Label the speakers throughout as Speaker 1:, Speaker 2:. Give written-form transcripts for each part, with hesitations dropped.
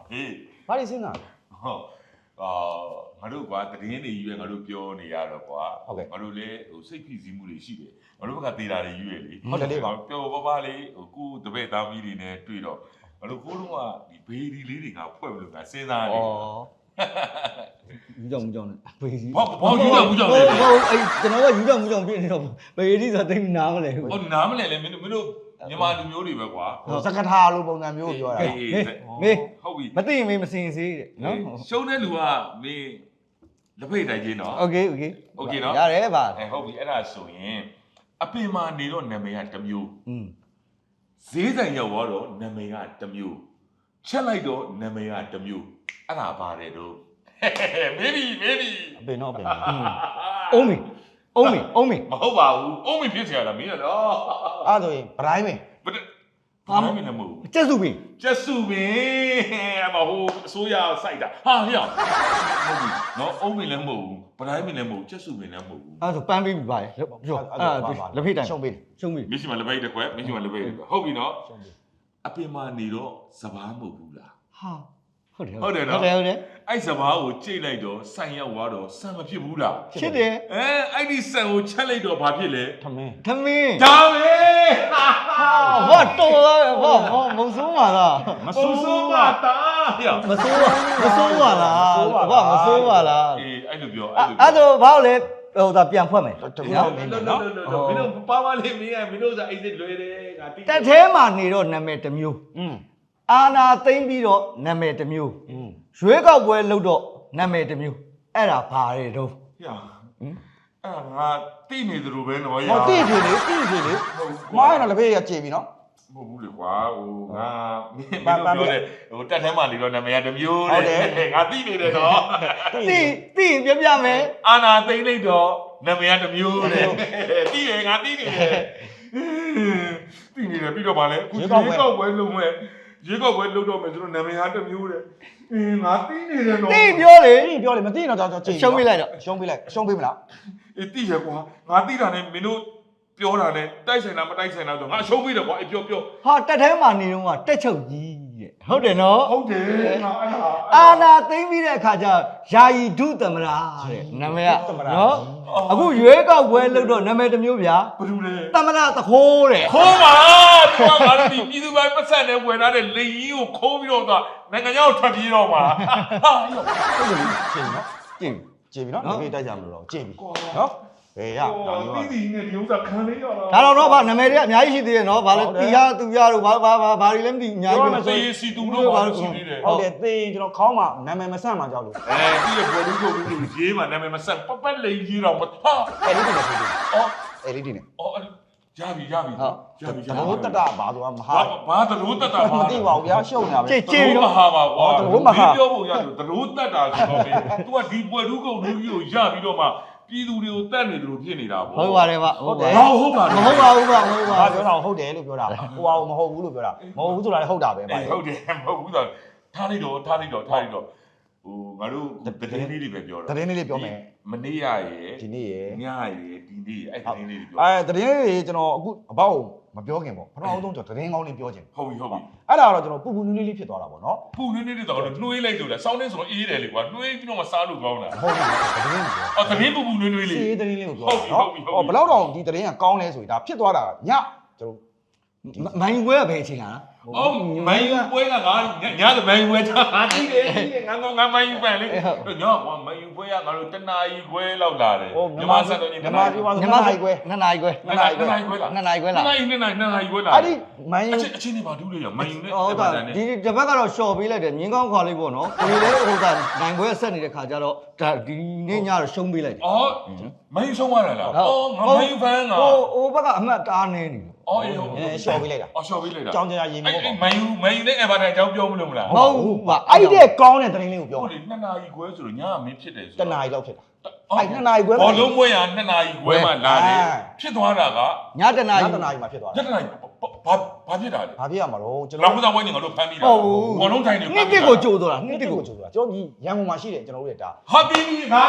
Speaker 1: ဘာတွေစဉ်းစားလဲ
Speaker 2: ဟုတ်ငါတို့ကွာတည်င်းတွေရွေးငါတို့ပြောနေရတော့ကွာငါတို့လည်းဟိုစိတ်ဖိစီးမှုတွေရှိတယ်ငါတို့ဘက်ကသေးတာတွေရွေးလေ
Speaker 1: ဟုတ်တယ်လေပါ
Speaker 2: ပျော်ပါလေးဟိုကိုတပည့်သားမီးတွေနဲ့တွေ့တော့ငါတို့ကိုလုံးကဒီဘေးဒီလေးတွေကဖွဲ့လို့ကစဉ်းစားနေ
Speaker 1: ယူကြောင်မူကြောင်ဘေးစီ
Speaker 2: ဘောယူကြောင်မူကြောင်လေ
Speaker 1: အဲ့ကျွန်တော်ကယူကြောင်မူကြောင်ပြနေတော့ဘေးစီဆိုသိနားမလဲ
Speaker 2: ဟုတ်နားမလဲလေမင်းတို့မြန်မာလူမျိုးတွေပဲကွာ
Speaker 3: စကထာလိုပုံစံမျိုးပြောတာ
Speaker 1: မေး
Speaker 2: ဟုတ်ပြီ
Speaker 1: မသိရင်မေးမစင်စေးတဲ့နော်
Speaker 2: ရှုံးတဲ့လူကမင်းလက်ဖိတ်တိုင်းချင်းနော်
Speaker 1: โอเค
Speaker 2: နော်
Speaker 1: ရတယ်ပါ
Speaker 2: ဟုတ်ပြီအဲ့ဒါဆိုရင်အပင်မာနေတော့နာမည်ကတစ်မျိုးဈေးဆိုင်ရောက်တော့နာမည်ကတစ်မျိုးချက်လိုက်တော့နာမည်ကတစ်မျိုးအဲ့ဒါပါတယ်တော့မေးပြီ
Speaker 1: အပင်တော့အပင်အုံးမီမ
Speaker 2: ဟုတ်ပါဘူးအုံးမဖြစ်เสียတာမင်းတော့
Speaker 3: အဲ့ဆိုရင်ဗတိုင်းမင်း
Speaker 2: ဘာမှမဟုတ်ဘူး
Speaker 1: ကျက်စုပင်
Speaker 2: အမဟိုအစိုးရစိုက်တာဟာဟျောဟုတ်ပြီနော်အုံးမလည်းမဟုတ်ဘူးဗတိုင်းမလည်းမဟုတ်ကျက်စုပင်လည်းမဟုတ်ဘူး
Speaker 1: အဲ့ဆိုပန်းပေးပြီပါလေပြောလက်ဖိတ်တိုင်း
Speaker 3: ရှုံးပေး
Speaker 2: မရှိမှလက်ဖိတ်တစ်ခွက်မရှိမှလက်ဖိတ်တစ်ခွက်ဟုတ်ပြီနော်အပင်မာနေတော့စပားမဟုတ်ဘူးလား
Speaker 1: ဟာဟုတ်တယ်
Speaker 2: နော်အဲ့စပားကိုကြိတ်လိုက်တော့ဆန်ရောက်သွားတော့ဆန်မဖြစ်ဘူးလား
Speaker 1: ဖြစ်တယ်
Speaker 2: အဲ့ဒီဆန်ကိုချက်လိုက်တော့ဘာဖြစ်လဲ
Speaker 1: ထမင်း
Speaker 2: ဒါပဲ
Speaker 1: ဟောတော်ဟောမဆိုးပါလား
Speaker 2: မဆိုးပါတာ
Speaker 1: မဆိုးပါလားဘာမဆိုးပါလား
Speaker 2: အေးအဲ့လိုပြော
Speaker 1: အဲ့ဆိုဘာလို့လဲဟိုဒါပြန်ဖွက်မယ်
Speaker 2: နော်မင်းတို့ပါလေးမင်းကမင်းတို့ဆိုအဲ့ဒီလွယ်တယ်ငါတိ
Speaker 1: တက်သေးမှနေတော့နာမည်တစ်မျိုးအာနာသိမ့်ပြီးတော့နာမည်တစ်မျိုးရွေးကောက်ပွဲလုပ်တော့နာမည်တစ်မျိုးအဲ့ဒါဘာတွေတော့
Speaker 2: အဲ့ငါတိနေသလိုပဲနော်
Speaker 3: ဟောတိပြီလေမားရတော့လက်ဖေးရကြေပြီနော်
Speaker 2: မဟုတ်ဘူးလေကွာဟိုငါမင်းပြောတယ်ဟိုတက်ထဲမှာနေတော့နာမည်ကတစ်မျိုးတဲ့ငါတိနေတယ်နော်
Speaker 1: တိပြမယ်
Speaker 2: အာနာသိမ့်လိုက်တော့နာမည်ကတစ်မျိုးတဲ့တိတယ်ငါတိနေတယ်တိနေတယ်ပြီးတော့ဗာလဲအခုရွေးကောက်ပွဲလုပ်မယ်ရွေးကောက်ပွဲလုပ်တော့မယ်ဆိုတော့နာမည်ကတစ်မျိုးတဲ့ငါတိနေတယ်နော်
Speaker 1: တိပြောလေ
Speaker 3: မတိတော့ကြောက်
Speaker 1: ရှုံးပေးလိုက်
Speaker 3: ရှုံးပေးမလား
Speaker 2: တိရကွာငါတိတာနဲ့မင်းတို့ပြောတာနဲ့တိုက်ဆိုင်တာမတိုက်ဆိုင်တာဆိုငါရှုံးပေးတယ်ကွာပြော
Speaker 1: ဟာတက်ထဲမှာနေတော့ကတက်ချုပ်ကြီးတဲ့ဟုတ်တယ်နော်
Speaker 2: ဟုတ်တယ်ငါအဲ့ဒါ
Speaker 1: အာနာသိမ့်ပြီးတဲ့အခါကျယာယီဒုသမရာတဲ့နာမည်ကနော်အခုရွေးကောက်ပွဲလုပ်တော့နာမည်တစ်မျိုးဗျာ
Speaker 2: ဘယ်လိုလဲ
Speaker 1: သမရာသခိုးတဲ့
Speaker 2: ခိုးပါသူကငါတို့ပြည်သူပိုင်းပတ်ဆက်နဲ့ဝင်လာတဲ့လေကြီးကိုခိုးပြီးတော့နိုင်ငံခြားကိုထွက်ပြေးတော့မှာဟာရော
Speaker 3: ဟုတ်တယ်ချိန်နော်ကြေပြီနော်ဒီနေ့တိုက်ကြမလို့တော့ကြေပြီနော်ဘယ်ရ
Speaker 2: တီးတီးနဲ့ဒီဥစ္စာခံလေးရ
Speaker 1: တာဒါတော့ဗာနာမည်တွေအများကြီးရှိသေးတယ်နော်ဗာလဲတီရသူရတို့ဘာတွေလဲမသိအများကြီးပဲ
Speaker 2: ဆိုရင်စီတူတို့ဘာလို့ရှိသေးတယ်
Speaker 3: ဟုတ်တယ်သေကျွန်တော်ခေါင်းမှာနာမည်မဆန့်မှကြောက်လို့
Speaker 2: တီးရဘော်လူကိုရေးမှာနာမည်မဆန့်ပတ်လေးရေးတော့ဟာ
Speaker 3: အဲ့ဒီတင်နေအော်အဲ့ဒီတင်နေ
Speaker 2: အော်ရပြီ
Speaker 3: သရိုးတတဘာဆိုတာမဟာ
Speaker 2: ဘာသရိုးတတ
Speaker 3: မသိပါဘူးဗျာရှုံနေတာပဲ
Speaker 1: ကြေ
Speaker 2: မဟာပါကွာသရိုးမဟာပြောဖို့ရတယ်သရိုးတတဆိုတော့သူကဒီပွဲလူကုန်လူကြီးကိုရပြီးတော့မှပြည်သူတွေကိုတတ်နေတယ်လို့ဖြစ်နေတာပေါ့
Speaker 1: ဟုတ်ပါတယ်ဗျ
Speaker 2: ဟုတ်ပါမဟုတ်ပါ
Speaker 1: ဘူးဗျ
Speaker 3: ပြောတာဟုတ်တယ်လို့ပြောတာဟိုဟာမဟုတ်ဘူးလို့ပြောတာမဟုတ်ဘူးဆိုတာလည်းဟုတ်တာပဲဗျ
Speaker 2: ဟုတ်တယ်မဟုတ်ဘူးဆိုထားလိုက်တော့ဟိုငါတို့သတင်းလေးတွေပဲပြောတာ
Speaker 3: သတင်းလေးပြောမယ်
Speaker 2: မနေ့ရယ်
Speaker 3: ဒီနေ့ရယ်
Speaker 2: ညရယ်ဒီနေ့အဲ့သတင်းလေးတွေပြော
Speaker 3: သတင်းလေးကျွန်တော်အခုအပေါ့မပြောခင်ပေါ့ပထမဆုံးကျွန်တော်သတင်းကောင်းလေးပြောချင်
Speaker 2: ဟုတ်ပြီ
Speaker 3: အဲ့ဒါတော့ကျွန်တော်ပူနွေးလေးဖြစ်သွားတာပေါ့နော်
Speaker 2: ပူနွေးလေးတော့နှွေးလိုက်လို့လားစောင်းနေဆိုတော့အေးတယ်လေကွာနှွေးပြီးတော့မှစားလို့ကောင်းလား
Speaker 3: ဟုတ်ပြီသတင်းကို
Speaker 2: အော်သတင်းပူနွေးလေး
Speaker 3: စီးသတင်းလေးကိုပြောတာနော်ဘယ်တော့တော့ဒီသတင်းကကောင်းလဲဆိုရင်ဒါဖြစ်သွားတာညကျွန်တော်
Speaker 1: မိုင်းပွဲကဘယ်အချိန်လား
Speaker 2: အော်မိုင်းပွဲကငါညတဲ့မိုင်းပွဲတာတိတယ်ငါမိုင်းပန်လေညကွာမိုင်းပွဲကငါတို့တနာရီခွဲလောက်လာတယ်
Speaker 3: မြန်မာစံတော်ကြီးမြန်မာနာရီခွဲ
Speaker 1: 2နာရီခွဲလား2နာရီခွဲလား
Speaker 2: 2နာရီခွဲလာ
Speaker 3: အဲ့ဒီမိုင်း
Speaker 2: အချင်းတွေပါတူးလေရမိုင်းနဲ့
Speaker 1: ဟုတ်တာဒီတစ်ဘက်ကတော့ရှော့ပေးလိုက်တယ်မြင်းကောင်းခွာလေးပေါ့နော်ဒီလေဟိုကနိုင်ပွဲဆက်နေတဲ့ခါကျတော့ဒါဒီနေ့ညတော့ရှုံးပေးလိုက်တယ်
Speaker 2: အော်မိုင်းရှုံးရတာလားအော်ငါမိုင်းဖန်က
Speaker 1: ဟိုဘက်ကအမှတ်တားနေနေတယ်
Speaker 2: အော်အေးဟုတ်
Speaker 3: ရှော့ပေးလိုက်တာ
Speaker 2: အော်ရှော့ပေးလိုက်တာ
Speaker 3: ကြောင်ကြရေမဟုတ်
Speaker 2: ပါဘူးမိုင်းနဲ့အဗာတိုင်အကြောင်းပြောမလို့မလား
Speaker 1: မဟုတ်ဘူး
Speaker 3: ပါအဲ့ဒီကောင်းတဲ့သတင်းလေးကိုပြော
Speaker 2: ဟုတ်လေ2နာရီခွဲဆိုတော့ညကမင်းဖြစ်တယ်ဆို
Speaker 3: 2နာရီလောက်ဖြစ်တာအဲ့2နာရီခွဲ
Speaker 2: ဘောလုံးပွဲရ2နာရီခွဲမှလာတယ်ဖြစ်သွားတာက
Speaker 1: ည1နာရီ
Speaker 3: မှဖြစ်သွား
Speaker 2: တာ2နာရီဘာဖြစ်တာလဲ
Speaker 3: ဘာဖြစ်ရမှာတော့
Speaker 2: ကျွန်တော်လောက်ဝိုင်းနေငါတို့ဖမ်းပြီးတာဘောလုံးထိုင်နေ
Speaker 1: နှစ်တစ်ကိုကြိုးသွားတာ
Speaker 3: နှစ်တစ်ကိုကြိုးသွားကျွန်တော်ဒီရန်ကုန်မှာရှိတယ်ကျွန်တော်တို့ရဲ့ဒါ
Speaker 2: Happy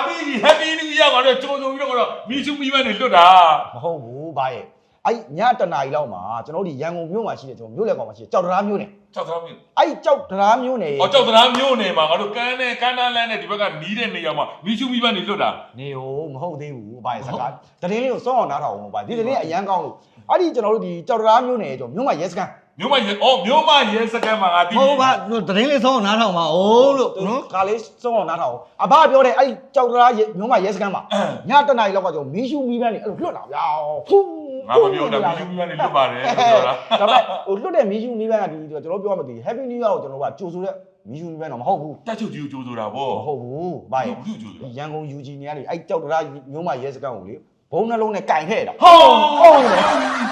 Speaker 2: New Year ကတော့ကြိုးပြီးတော့မီချူမီမန်းနေလွတ်တာ
Speaker 3: မဟုတ်ဘူးဘာရဲ့အဲ့ည1နာရီလောက်မှာကျွန်တော်တို့ဒီရန်ကုန်မြို့မှာရှိတယ်ကျွန်တော်မြို့လက်ကောင်မှာရှိတယ်ကြောက်တရားမြို့နယ်
Speaker 2: ကြောက်သားမျိုး
Speaker 3: အဲ့ကြောက်တရားမျိုးနေ
Speaker 2: အော်ကြောက်သားမျိုးနေမှာငါတို့ကန်းနဲ့ကန်းနားလန်းနဲ့ဒီဘက်ကနီးတဲ့နေရာမှာမီးရှူမီးပန်းနေလွတ်တာ
Speaker 3: နေဟိုမဟုတ်သေးဘူးဘာစကားတရင်လေးကိုစောအောင်နားထောင်အောင်ပါဒီတရင်အရန်ကောင်းလို့အဲ့ဒီကျွန်တော်တို့ဒီကြောက်တရားမျိုးနေကျွန်တော်မြို့မှာရဲစခန်း
Speaker 2: မျိုးမရဲအော်မျိုးမရဲစကန်မှာငါတီး
Speaker 1: ဟုတ်ပါသတင်းလေးဆုံးအောင်နားထောင်ပါဦးလို့နော်
Speaker 3: ခါလေးစောအောင်နားထောင်အဘပြောတယ်အဲ့ဒီကြောက်တရားမြို့မှာရဲစခန်းမှာညတနားရီလောက်ကကျွန်တော်မီးရှူမီးပန်းနေအဲ့လိုလွတ်လာဗျာဖူး
Speaker 2: ငါမပြောတာမီးရှူမီးပန်းနေလွတ်ပါတယ်ပြောတာ
Speaker 3: ဒါပေမဲ့ဟိုလွတ်တဲ့မီးရှူမီးပန်းကဒီကျွန်တော်ပြောမှမသိ Happy New Year ကိုကျွန်တော်ကကြိုဆိုတဲ့မီးရှူမီးပန်းတော့မဟုတ်ဘူး
Speaker 2: တက်ချုပ်ကြီးကိုကြိုးဆိုတာဗော
Speaker 3: မဟုတ်ဘူးဘာရဲ့
Speaker 2: ဘူးကြိုးဆိုတာ
Speaker 3: ရန်ကုန် UG နေရာလေအဲ့ကြောက်တရားမြို့မှာရဲစခန်းကိုလေဘုံနှလုံးနဲ့ကင်ခဲ့တာ
Speaker 2: ဟုတ်တယ်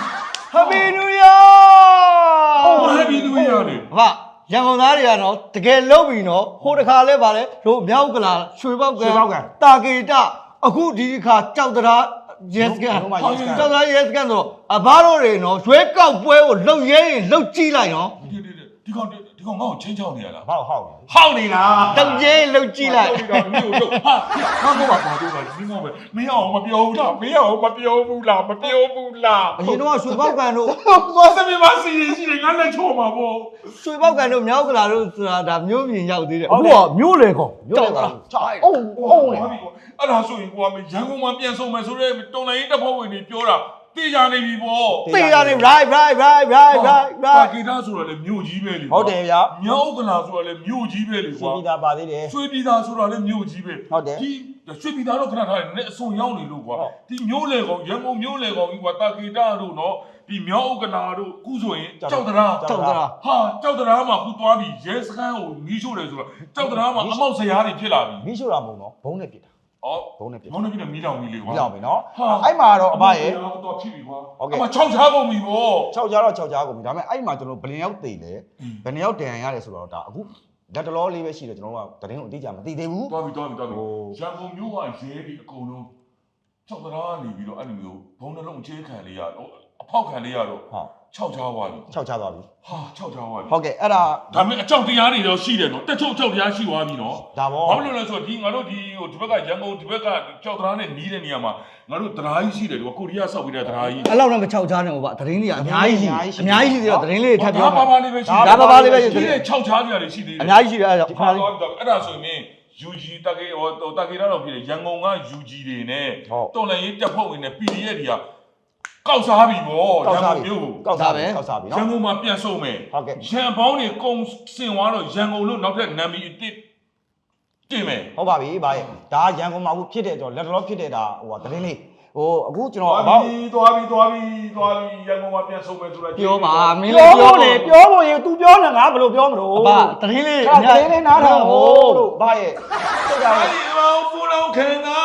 Speaker 1: Happy New Year
Speaker 2: ဟုတ်ဟဲ့ဒီလူရနေ
Speaker 1: အဖရန်ကုန်သားတွေကတော့တကယ်လုံးပြီနော်ဟိုတခါလဲပါလေတို့မြောက်ကလာရွှေပေါက်ကတာကေတအခုဒီခါကြောက်တရားyes ကကြောက်တရား yes ကဆိုတော့အဘတို့တွေနော်ရွှေကောက်ပွဲကိုလှုပ်ရဲရင်လှုပ်ကြည့်လိုက်နော်
Speaker 2: ဒီကောင်ငါ့ကိုချင်းချောင်းနေရလား
Speaker 3: ဘာလို့ဟောက်လဲ
Speaker 2: ဟောက်နေလား
Speaker 1: တောက်ကျဲလှုပ်ကြည့်လိုက်
Speaker 2: မျိုးတို့ဟာတော့ပါတော့ပါမင်းမောပဲမင်းအောင်မပြောဘူးလားမင်းအောင်မပြောဘူးလားမပြောဘူးလား
Speaker 1: အရင်တော့ရွှေပေါက်ကန်တို့
Speaker 2: သွားစမေးမရှိရင်ရှိတယ်ငါလက်ချောမှာပေါ့
Speaker 1: ရွှေပေါက်ကန်တို့မြောက်ကလာတို့ဆိုတာဒါမျိုးပြင်ရောက်သေးတယ်အခုကမျိုးလေကောင်
Speaker 3: မြို့လေကချောက်အုံးလေ
Speaker 2: အဲ့ဒါဆိုရင်ကိုကမရန်ကုန်မှာပြန်ဆုံးမယ်ဆိုတော့တော်လိုင်းတပ်ဖွဲ့ဝင်တွေပြောတာတေးကြနေပြီပေါ့
Speaker 1: သိရတယ် right
Speaker 2: တာဂီတာဆိုတော့လေမြို့ကြီးပဲလေ
Speaker 3: ဟုတ်တယ်ဗျာ
Speaker 2: မြောက်ကလာဆိုတော့လေမြို့ကြီးပဲလေ
Speaker 3: စီ
Speaker 2: ကွာ
Speaker 3: ပီတာပါသေးတယ်
Speaker 2: ရွှေပြည်သားဆိုတော့လေမြို့ကြီးပဲ
Speaker 3: ဟုတ်တယ်
Speaker 2: ဒီရွှေပြည်သားတော့ခဏထားတယ်နဲ့အစုံရောက်နေလို့ကွာဒီမြို့လေကောင်ရန်ကုန်မြို့လေကောင်ကြီးကွာတာဂီတာတို့နော်ဒီမြောက်ဥက္ကလာတို့အခုဆိုရင်ကြောက်တရာ
Speaker 1: ကြောက်တာ
Speaker 2: ဟာကြောက်တရာမှာခုသွားပြီးရဲစခန်းကိုမီးရှို့တယ်ဆိုတော့ကြောက်တရာမှာအမောက်ဆရာတွေဖြစ်လာပြီ
Speaker 3: မီးရှို့တာမဟုတ်နော်ဘုံနဲ့ပြစ်တာ
Speaker 2: ဩ
Speaker 3: ဘုံနဲ့ပြစ်
Speaker 2: မောင်နေပြီမီးတောင်ကြီးလေကွာ
Speaker 3: ပြီးတော့ပြီနော်အဲ့မှာတော့အဘရဲ့
Speaker 2: တော့ဖြစ်ပြီကွာ
Speaker 3: ဟုတ်ကဲ့
Speaker 2: အမ6ချားကုန်ပြီဗော
Speaker 3: 6ကြားတော့6ကြားကုန်ပြီဒါပေမဲ့အဲ့မှာကျွန်တော်ဘယ်နှစ်ယောက်တည်လဲဘယ်နှစ်ယောက်တန်ရတယ်ဆိုတော့ဒါအခုလက်တလောလေးပဲရှိတယ်ကျွန်တော်ကတရင်ကိုအတိအကျမသိသေးဘူး
Speaker 2: သွားပြီရန်ကုန်မြို့ကရဲဒီအကုန်လုံးကြောက်တရာနေပြီးတော့အဲ့လိုမျိုးဘုံနှလုံးချေးခံလေးရတော့အဖောက်ခံလေးရတော့
Speaker 3: ဟုတ်
Speaker 2: 6ချားသွားပြီ
Speaker 3: 6ကြားသွားပြီ
Speaker 2: ဟာ6ချားသွားပြီ
Speaker 3: ဟုတ်ကဲ့အဲ့ဒါ
Speaker 2: ဒါပေမဲ့အကြောက်တရားတွေတော့ရှိတယ်နော်တက်ချုပ်အကြောက်တရားရှိသွားပြီနော်
Speaker 3: ဒါပေါ့
Speaker 2: ဘာလို့လဲဆိုတော့ဒီငါတို့ဒီဘက်ကရန်ကုန်ဒီဘက်ကကြောက်တရားနဲ့နီးတဲ့နေရာမှာငါတို့တရားကြီးရှိတယ်ဒီကိုရီးယားဆောက်ပြီးတဲ့တရားကြီး
Speaker 1: အဲ့လောက်တော့မချောက်ချားနဲ့ဟိုဗျသတင်းတွေကအများကြီးရှိအများကြီးရှိသေးတော့သတင်းလေးတွေထပ်ပြော
Speaker 2: ပါပါလေးပဲရှိ
Speaker 1: ဒါပါပါလေးပဲရှိ
Speaker 2: ဒီ
Speaker 1: သေးတယ်
Speaker 2: 6ချားကြရတယ်ရှိသေးတယ်
Speaker 1: အများကြီးရှိတယ်အဲ့ဒါ
Speaker 2: ဒီခါတော့အဲ့ဒါဆိုရင် UG တကေတကေတော့ဖြစ်တယ်ရန်ကုန်က UG တွေနဲ့တော်လည်းရေးတက်ဖို့ဝင်နေ PDF တွေကကောက်စားပြီဗောရန်ကုန်မြို့ကို
Speaker 3: ကောက်စားပြီကောက်စားပြီ
Speaker 2: ရ
Speaker 3: နော်
Speaker 2: န်ကုန်မှာပြန်ဆုံးမယ်
Speaker 3: ဟုတ်ကဲ့
Speaker 2: ရန်ပေါင်းတွေကုံစင်သွားတော့ရန်ကုန်လို့နောက်ထပ်နာမည်အစ်တင်မယ်
Speaker 3: ဟုတ်ပါပြီဗျာရဲ့ဒါရန်ကုန်မှာအခုဖြစ်တဲ့ကျွန်တော်လက်တလောဖြစ်တဲ့ဒါဟိုတရင်လေးဟိုအခုကျွန်တော်အဘောက်
Speaker 2: သွားပြီရန်ကုန်မှာပြန်ဆုံးမယ်ဆိုတာ
Speaker 1: ပြောပါမင်း
Speaker 3: ပြော
Speaker 1: လေးပြော
Speaker 3: ဖို့လေပြောဖို့ရေ तू ပြောနေငါဘယ်လိုပြောမလို့
Speaker 1: အဖသတင်းလေး
Speaker 3: တရင်လေးနားထောင်ဖို့လို့ဗျာရဲ့စိတ်က
Speaker 2: အဲ့ဒီမောင်ပူလောင်ခံတာ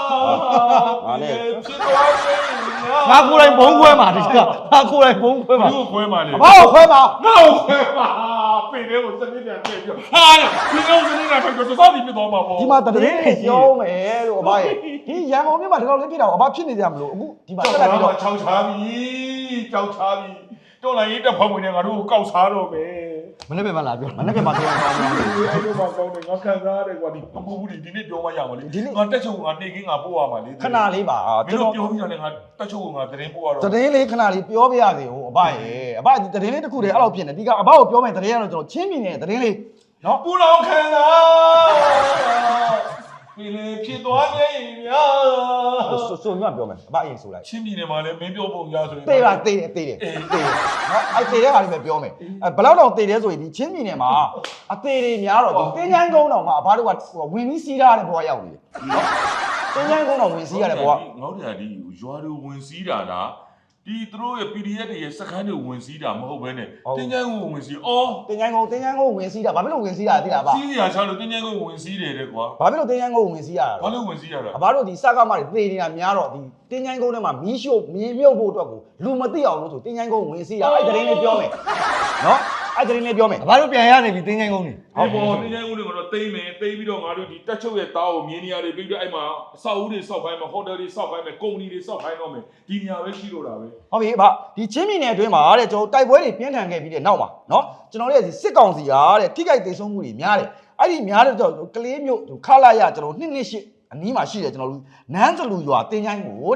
Speaker 2: ဖြစ်သွားပြီ
Speaker 1: ငါကိုယ်တိုင်ဘုံခွဲမှာဒီကငါကိုယ်တိုင်ဘုံခွဲမှာ
Speaker 2: ဘူးခွဲမှာလေ
Speaker 3: အဘောက်ခွဲပါ
Speaker 2: ငါ့ကိုခွဲမှာပြင်လေးကိုစနစ်ပြန်ပြပြောဟာဒီကောင်စနစ်ပြန်ပြတော့စောက်ပြီးပြသွားမှာပေါ့
Speaker 3: ဒီမှာတရင်လေးပြောမယ်လို့အဘောက်ရဲ့ဒီရန်ကုန်မြို့မှာဒီလောက်လေးဖြစ်တာအဘောက်ဖြစ်နေကြမလို့အခုဒီမှာတက်လာပြီးတော့
Speaker 2: 6ချားပြီကြောက်ချားပြီတော်လိုင်းရေးတက်ဖောက်ဝင်နေငါတို့ကိုကောက်စားတော့မယ်
Speaker 1: မနေ့ကမှလာပြော
Speaker 3: မနေ့ကမှပြောင်းသွားတယ်
Speaker 2: အဲ့လိုမှကောင်းတယ်ငါခံစားရတယ်ကွာဒီပပူဘူးဒီနေ့ပြောမှရမှာလေငါတက်ချုပ်ငါနေခင်းငါပို့ရမှာလေ
Speaker 3: ခဏလေးပါ
Speaker 2: မင်းတို့ပြောပြီးတော့လည်းငါတက်ချုပ်ငါသတင်းပို့ရတော့
Speaker 3: တရင်လေးခဏလေးပြောပြရစေဟိုအဘရဲ့အဘဒီတရင်လေးတစ်ခုတည်းအဲ့လိုဖြစ်နေဒီကအဘကိုပြောမယ်တရင်ကတော့ကျွန်တော်ချင်းမြင်နေတဲ့တရင်လေးနော်
Speaker 2: ပူလောင်ခံတာပြည်လေဖြစ်သွားရဲ့များ
Speaker 3: ဆိုညပြောမယ်အဘအရင်ဆိုလိုက်
Speaker 2: ချင်းပြည်နယ်မှာလည်းမင်းပြောပုံရဆိုရင်
Speaker 3: တေးပါတေးတယ်တေးတယ်တေးတယ်နော်အဲ့တေးတဲ့ဟာလေးပဲပြောမယ်အဲဘယ်လောက်တော့တေးတယ်ဆိုရင်ဒီချင်းမြင်နေမှာအသေးတွေများတော့ဒီတင်းချိုင်းကုန်းတော်မှာအဘတို့ကဝင်ပြီးစီးထားတဲ့ဘဝရောက်နေတယ်နော်တင်းချိုင်းကုန်းတော်ဝင်စီးရတဲ့ဘဝ
Speaker 2: ငေါ့တယ်ဒီရွာတွေဝင်စီးတာလားဒီသူတို့ရဲ့ PDF တွေရဲ့စခန်းတွေဝင်စီးတာမဟုတ်ဘဲနဲ့တင်းချမ်းကိုဝင်စီးအော်
Speaker 3: တင်းချိုင်းကုန်းဝင်စီးတာဘာဖြစ်လို့ဝင်စီးတာသိလားအဘ
Speaker 2: စီးရချလို့တင်းချမ်းကိုဝင်စီးတယ်တဲ့ကွာ
Speaker 3: ဘာဖြစ်လို့တင်းချိုင်းကုန်းဝင်စီးရတာ
Speaker 2: ဘာလို့ဝင်စီးရတာ
Speaker 3: အဘတို့ဒီစကားမတွေသေနေတာများတော့ဒီတင်းချိုင်းကုန်းထဲမှာမီးရှို့မြင်မြုပ်ဖို့အတွက်ကိုလူမသိအောင်လို့ဆိုတင်းချိုင်းကုန်းဝင်စီးတာအဲ့တရင်လေးပြောမယ်နော်အဲ့တရင်လေးပြောမယ်
Speaker 1: အဖတို့ပြန်ရနေပြီတင်းချိုင်းကုန်းနေ
Speaker 2: ဟုတ်ပေါ်တင်းချမ်းကိုတွေကတော့တိမ့်မယ်တိမ့်ပြီးတော့ငါတို့ဒီတက်ချုပ်ရဲ့တားကိုမြင်းနေရာတွေပြီးတော့အဲ့မှာအဆောက်အဦတွေဆောက်ခိုင်းမယ်ဟိုတယ်တွေဆောက်ခိုင်းမယ်ကုမ္ပဏီတွေဆောက်ခိုင်းတော့မယ်ဒီနေရာပဲရှိလို့တာပဲ
Speaker 3: ဟုတ်ပြီအဘဒီချင်းမြင်နယ်အတွင်းမှာတဲ့ကျွန်တော်တိုက်ပွဲတွေပြင်းထန်ခဲ့ပြီးတဲ့နောက်မှာနော်ကျွန်တော်တို့ရဲ့ဒီစစ်ကောင်စီကတဲ့ထိခိုက်ဒေဆုံးမှုတွေများတယ်အဲ့ဒီများတဲ့ကျွန်တော်ကလေးမျိုးခလာရကျွန်တော်228အနီးမှာရှိတယ်ကျွန်တော်တို့နန်းစလူရွာတင်းချိုင်းကိုတဲ့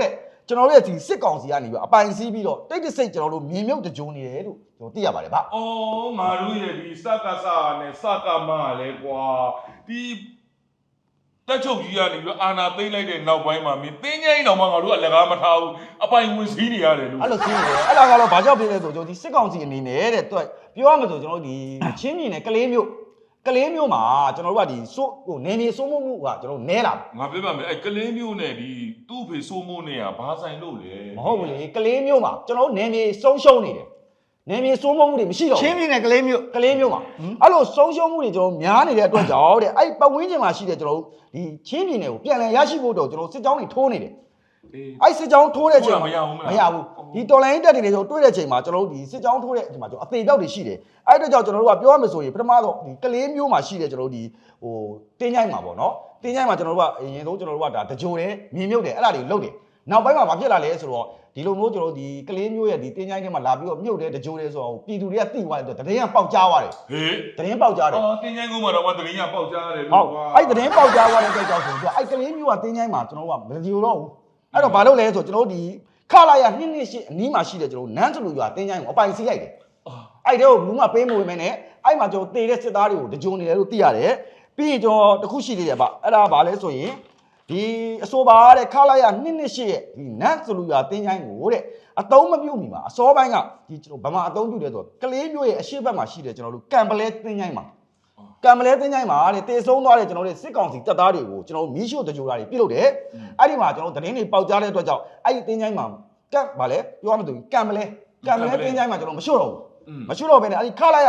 Speaker 3: ကျွန်တော်တို့ရဲ့ဒီစစ်ကောင်စီကနေပြီးအပိုင်စီးပြီးတော့တိတ်တဆိတ်ကျွန်တော်တို့မြင်မြုပ်တကြုံနေတယ်လို့ကျွန်တော်သိရပါတယ်ဗျ
Speaker 2: အော်ငါတို့ရဲ့ဒီစကစနဲ့စကမလည်းကွာဒီတက်ချုပ်ကြီးကနေပြီးအာနာသိမ့်လိုက်တဲ့နောက်ပိုင်းမှာမင်းတင်းငိမ့်တော့မှငါတို့ကလက်ကားမထားဘူးအပိုင်ဝင်စည်းနေရတယ်လို့
Speaker 3: အဲ့လိုသိနေတယ်အဲ့ဒါကတော့ဘာကြောင့်ဖြစ်လဲဆိုကျွန်တော်ဒီစစ်ကောင်စီအနေနဲ့တဲ့သူပြောရမှာဆိုကျွန်တော်ဒီချင်းမြင်နဲ့ကလေးမျိုးမှာကျွန်တော်တို့ကဒီစိုးဟိုနေနေစိုးမှုကကျွန်တော်နဲလာ
Speaker 2: ငါပြောပါမယ်အဲ့ကလင်းမျိုးနဲ့ဒီသူ့ဖေဆိုးမိုးနဲ့ကဘာဆိုင်လို့လဲ
Speaker 3: မဟုတ်ဘူးလေကလေးမျိုးမှာကျွန်တော်တို့နေနေဆုံးရှုံးနေတယ်နေနေစိုးမှုတွေမရှိတော့
Speaker 1: ချင်းပြည်နယ်ကလေးမျိုး
Speaker 3: ကလေးမျိုးမှာအဲ့လိုဆုံးရှုံးမှုတွေကျွန်တော်များနေတဲ့အတွက်ကြောင့်တဲ့အဲ့ပတ်ဝန်းကျင်မှာရှိတဲ့ကျွန်တော်တို့ဒီချင်းပြည်နယ်ကိုပြန်လည်ရရှိဖို့တော့ကျွန်တော်စစ်ကြောင်းတွေထိုးနေတယ်အဲ့စစ်ကြောင်းထိုးတဲ့ချိန်မှာမရဘူးဒီတော်လိုင်းတက်တွေကျွန်တော်တွေ့တဲ့ချိန်မှာကျွန်တော်တို့ဒီစစ်ကြောင်းထိုးတဲ့အချိန်မှာကျွန်တော်အသေးပြောက်တွေရှိတယ်အဲ့အတွက်ကြောင့်ကျွန်တော်တို့ကပြောရမယ်ဆိုရင်ပထမဆုံးဒီကလေးမျိုးမှာရှိတဲ့ကျွန်တော်တို့ဒီဟိုတင်းချိုင်းမှာပေါ့နော်တင်းချိုင်းမှာကျွန်တော်တို့ကအရင်ဆုံးကျွန်တော်တို့ကဒါတကြိုတယ်မြင်မြုပ်တယ်အဲ့ဒါတွေလုပ်တယ်နောက်ပိုင်းမှာဘာဖြစ်လာလဲဆိုတော့ဒီလိုမျိုးကျွန်တော်တို့ဒီကလေးမျိုးရဲ့ဒီတင်းချိုင်းထဲမှာလာပြီးတော့မြုပ်တယ်တကြိုတယ်ဆိုတော့ပြည်သူတွေကသိသွားတဲ့အတွက်တရင်ကပေါက်ကြားသွားတယ်
Speaker 2: ဟေး
Speaker 3: တရင်ပေါက်ကြားတယ်
Speaker 2: အော်တင်းချိုင်းကုန်းမှာတော့တရင်ကပေါက်ကြားရတယ်
Speaker 3: ဟုတ်အဲ့တရင်ပေါက်ကြားသွားတဲ့အတွက်ကြောင့်ဆိုတော့အဲ့ကလေးမျိုးကတင်းချိုင်းမှာကျွန်တော်တို့ကမကြည့်တော့ဘူးအဲ့တော့ဘာလုပ်လဲဆိုကျွန်တော်တို့ဒီခလာရ2နှစ်ရှိအနီးမှာရှိတဲ့ကျွန်တော်နန်းစလူရွာတင်းချိုင်းကိုအပိုင်စီးလိုက်တယ်အဲ့တဲ့ကိုဘူးမပေးမဝင်မဲနဲ့အဲ့မှာကျွန်တော်တေတဲ့စစ်သားတွေကိုတကြုံနေတယ်လို့သိရတယ်ပြီးရင်ကျွန်တော်တခုရှိသေးတယ်ဗျအဲ့ဒါဘာလဲဆိုရင်ဒီအဆိုပါတဲ့ခလာရ2နှစ်ရှိရဲ့ဒီနန်းစလူရွာတင်းချိုင်းကိုတဲ့အတုံးမပြုတ်မီမှာအစောပိုင်းကဒီကျွန်တော်ဗမာအတုံးပြုတ်တယ်ဆိုကလေးမျိုးရဲ့အရှိတ်ဘက်မှာရှိတယ်ကျွန်တော်တို့ကံပလဲတင်းချိုင်းမှာကံမလဲတင်းချိုင်းမှာတဲ့တေဆုံးသွားတဲ့ကျွန်တော်တို့စစ်ကောင်စီတပ်သားတွေကိုကျွန်တော်တို့မီးရှို့တကြိုတာတွေပြုတ်လို့တယ်အဲ့ဒီမှာကျွန်တော်သတင်းတွေပေါက်ကြားတဲ့အတွက်ကြောင့်အဲ့ဒီတင်းချိုင်းမှာကံဗာလဲပြောရမလို့ကံမလဲတင်းချိုင်းမှာကျွန်တော်မရှို့တော့ဘူးမရှို့တော့ဘဲနဲ့အဲ့ဒီခလာရ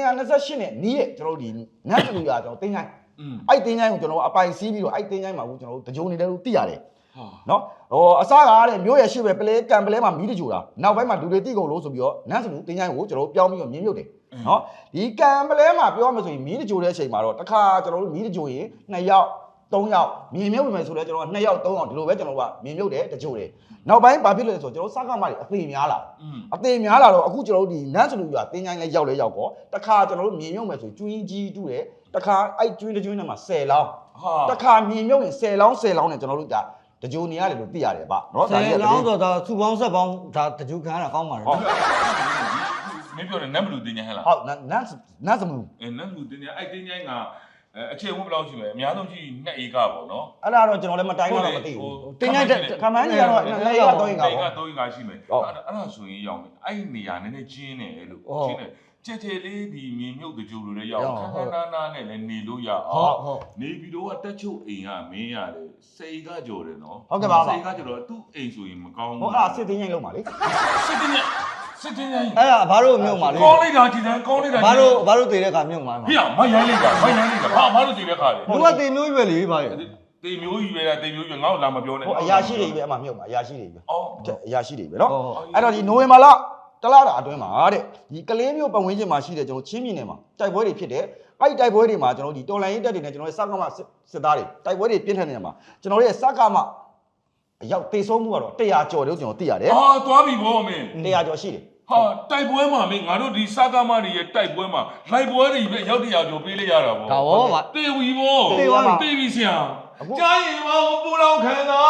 Speaker 3: 228နဲ့နီးရဲ့ကျွန်တော်တို့ဒီနတ်လူရကျွန်တော်တင်းချိုင်းအဲ့တင်းချိုင်းကိုကျွန်တော်အပိုင်စီးပြီးတော့အဲ့တင်းချိုင်းမှာကိုကျွန်တော်တို့တကြိုနေတယ်လို့သိရတယ်နော်ဟိုအစားကားတဲ့မျိုးရရှိပဲပလဲကံပလဲမှာမီးတကြိုတာနောက်ပိုင်းမှာလူတွေတိကုန်လို့ဆိုပြီးတော့နတ်စလူတင်းချိုင်းကိုကျွန်တော်ပြောင်းပြီးတော့မြင်းမြုပ်တယ်နော်ဒီကံပလဲမှာပြောမှဆိုရင်မီးတကြိုတဲ့အချိန်မှာတော့တစ်ခါကျွန်တော်တို့မီးတကြိုရင်2ယောက်3ယောက်မြင်မြုပ်ပြီမယ်ဆိုတော့ကျွန်တော်2ယောက်3ယောက်ဒီလိုပဲကျွန်တော်ကမြင်မြုပ်တယ်တကြိုတယ်နောက်ပိုင်းဘာဖြစ်လဲဆိုတော့ကျွန်တော်စကားမတွေအသေးများလာတော့အခုကျွန်တော်တို့ဒီနန်းစလူရွာတင်းချိုင်းလဲရောက်တော့တစ်ခါကျွန်တော်တို့မြင်မြုပ်မယ်ဆိုကျွင်းကြီးတူးတယ်တစ်ခါအဲ့ကျွင်းတကျွင်းထဲမှာ10လောင်းတစ်ခါမြင်မြုပ်ရင်10လောင်းနဲ့ကျွန်တော်တို့ဒါတကြိုနေရတယ်လို့သိရတယ်ဗျနော်ဒါလည်း
Speaker 1: 10လောင်းဆိုတော့စုပေါင်းဆက်ပေါင်းဒါတကြူခံရတာကောင်းပါလေ
Speaker 2: မင်းပြောတယ်နတ်ဘလူတင်းချိုင်းဟဲ့လား
Speaker 3: ဟုတ်နတ်စမူ
Speaker 2: နတ်ဘလူတင်းချိုင်းအဲ့တင်းချိုင်းကအခြေဝတ်ဘယ်လောက်ရှိမလဲအများဆုံးရှိ2ဧကပေါ့နော်
Speaker 3: အဲ့ဒါတော့ကျွန်တော်လည်းမတိုင်းတော့မသိဘူး
Speaker 1: တင်းချိုင်း
Speaker 3: ခမန်းကြီးကတော့2ရက်3ရက်
Speaker 2: 3
Speaker 3: ပေါ့
Speaker 2: ဧကရှိမယ်အဲ့ဒါဆိုရင်ရောက်မယ်အဲ့နေရာနည်းနည်းကျင်းတယ်လို့ကျင်းတယ်ကြက်ကြက်လေးဒီမြေမြုပ်တကြိုလိုလည်းရောက်ခဏနာနဲ့လည်းနေလို့ရအောင်နေပြီးတော့တက်ချုပ်အိမ်ကမင်းရတယ်စိတ်ကကြော်တယ်နော်စိတ်ကကြော်တော့သူ့အိမ်ဆိုရင်မကောင်းဘူး
Speaker 3: ဟောအဲ့ဒါစစ်တင်းရင်လုံးပါလေ
Speaker 2: စစ်တင်းရင်
Speaker 1: အဲ့ဒါဘာလို့မြုပ်မှာလဲ
Speaker 2: ကောင်းလိုက်တာကြည်တယ်ကောင်းလိုက်တာ
Speaker 1: ဘာလို့တည်တဲ့ခါမြုပ်မှာလဲ
Speaker 2: ဖေမရိုင်းလိုက်တာဘာလို့တည်တဲ့ခါလဲ
Speaker 1: လူကတည်မျိုးရွယ်လေဗျာ
Speaker 2: တေမျိုးကြီးပဲလားတေမျိုးကြီးငါ့ကိုလာမပြောနဲ့
Speaker 3: ဟိုအရာရှိတွေပဲအမှမြုပ်မှာအရာရှိတွေပဲ
Speaker 2: အော်
Speaker 3: အရာရှိတွေပဲเนาะအဲ့တော့ဒီနိုဝင်ဘာလတလားတာအတွင်းမှာတဲ့ဒီကလေးမျိုးပတ်ဝန်းကျင်မှာရှိတဲ့ကျွန်တော်ချင်းပြည်နယ်မှာတိုက်ပွဲတွေဖြစ်တယ်အဲ့ဒီတိုက်ပွဲတွေမှာကျွန်တော်ဒီတော်လိုင်းရေးတက်တွေနဲ့ကျွန်တော်ရဲ့စကားမစစ်သားတွေတိုက်ပွဲတွေပြင်းထန်နေမှာကျွန်တော်ရဲ့စကားမအရောက်တေဆုံးမှုကတော့100ကျော်လို့ကျွန်တော်သိရတယ်
Speaker 2: ဟာသွားပြီဗောမင်း
Speaker 3: 100ကျော်ရှိတယ်
Speaker 2: ဟာတိုက်ပွဲမှာမင်းငါတို့ဒီစကားမတွေရဲ့တိုက်ပွဲမှာလိုက်ပွဲတွေပဲရောက်100ကျော်ပေးလိုက်ရတာဗော
Speaker 1: ဒါဘောဗျာ
Speaker 2: တေဝီဗောတေဝီဆရာကြားရင်မပူလောင်ခံတာ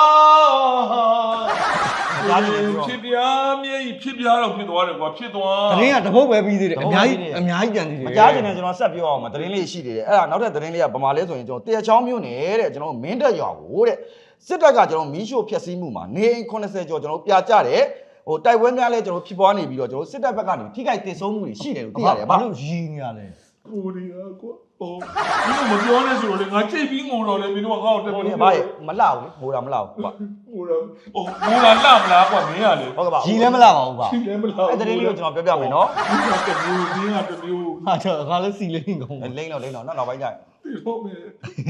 Speaker 2: ဖြစ်ပြားမြေဖြစ်ပြားတော့ဖြစ်သွားတယ်ကွာဖြစ်သွား
Speaker 1: တရင်ကတပုတ်ပဲပြီးသေးတယ်အများကြီးကြံသေးတယ်
Speaker 3: မကြားချင်တယ်ကျွန်တော်ဆက်ပြောအောင်မသတင်းလေးရှိသေးတယ်အဲ့ဒါနောက်ထပ်သတင်းလေးကဗမာလဲဆိုရင်ကျွန်တော်တရချောင်းမြို့နယ်တဲ့ကျွန်တော်မင်းတက်ရွာကိုတဲ့စစ်တပ်ကကျွန်တော်မီးရှို့ဖျက်ဆီးမှုမှာနေအိမ်80ကျော်ကျွန်တော်ပြကြတယ်ဟိုတိုက်ပွဲများလဲကျွန်တော်ဖြစ်ပွားနေပြီးတော့ကျွန်တော်စစ်တပ်ဘက်ကနေထိခိုက်တင်ဆုံးမှုတွေရှိတယ်လို့သိရတယ်ဗျ
Speaker 1: ဘာလို့ရီနေရလဲ
Speaker 2: ကိုရီးယားကွာဟိုမင်းတို့မပြောနဲ့ဆိုတော့လေငါကြိတ်ပြီးငိုတော့လေမင်းတို့ကငါ့ကိုတက်
Speaker 3: ဟို
Speaker 2: ပြီး
Speaker 3: နေဘာမလောက်လေငိုတာမလောက်ဘူးဗျ
Speaker 2: ငိုတော့ဟိုငိုလာလှမလားကွာမင်းကလေ
Speaker 3: ဟုတ်ကဲ့ပါ
Speaker 1: ရီလည်းမလာပါဘူးဗျာ
Speaker 2: ရှိတယ်မလား
Speaker 3: အဲ့သတင်းလေးကိုကျွန်တော်ပြောပြမယ်နော်
Speaker 2: ဒီကတမျိုးဒီကတမျိုး
Speaker 1: ဟာတော့ငါလည်းစီလေးနေကုန်
Speaker 3: လိမ့်တော့နောက်ပိုင်းကျရင်
Speaker 2: ဒီတော့မယ်